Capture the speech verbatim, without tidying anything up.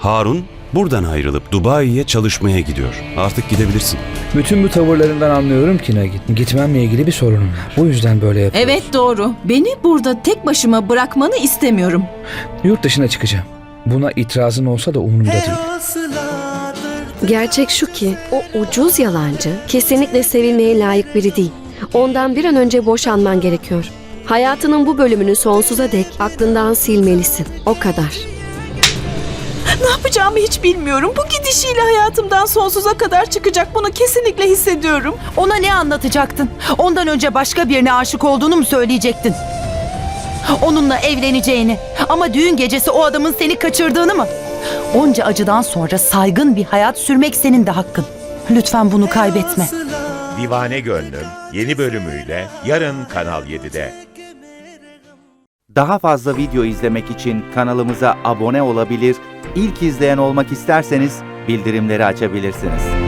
Harun buradan ayrılıp Dubai'ye çalışmaya gidiyor. Artık gidebilirsin. Bütün bu tavırlarından anlıyorum ki Nagin. Gitmemle ilgili bir sorunum var. Bu yüzden böyle yapıyorum. Evet doğru. Beni burada tek başıma bırakmanı istemiyorum. Yurt dışına çıkacağım. Buna itirazın olsa da umurumda değil. Gerçek şu ki o ucuz yalancı kesinlikle sevilmeye layık biri değil. Ondan bir an önce boşanman gerekiyor. Hayatının bu bölümünü sonsuza dek aklından silmelisin. O kadar. Ne yapacağımı hiç bilmiyorum. Bu gidişiyle hayatımdan sonsuza kadar çıkacak. Bunu kesinlikle hissediyorum. Ona ne anlatacaktın? Ondan önce başka birine aşık olduğunu mu söyleyecektin? Onunla evleneceğini ama düğün gecesi o adamın seni kaçırdığını mı? Onca acıdan sonra saygın bir hayat sürmek senin de hakkın. Lütfen bunu kaybetme. Divane Gönlüm yeni bölümüyle yarın Kanal yedide. Daha fazla video izlemek için kanalımıza abone olabilir, ilk izleyen olmak isterseniz bildirimleri açabilirsiniz.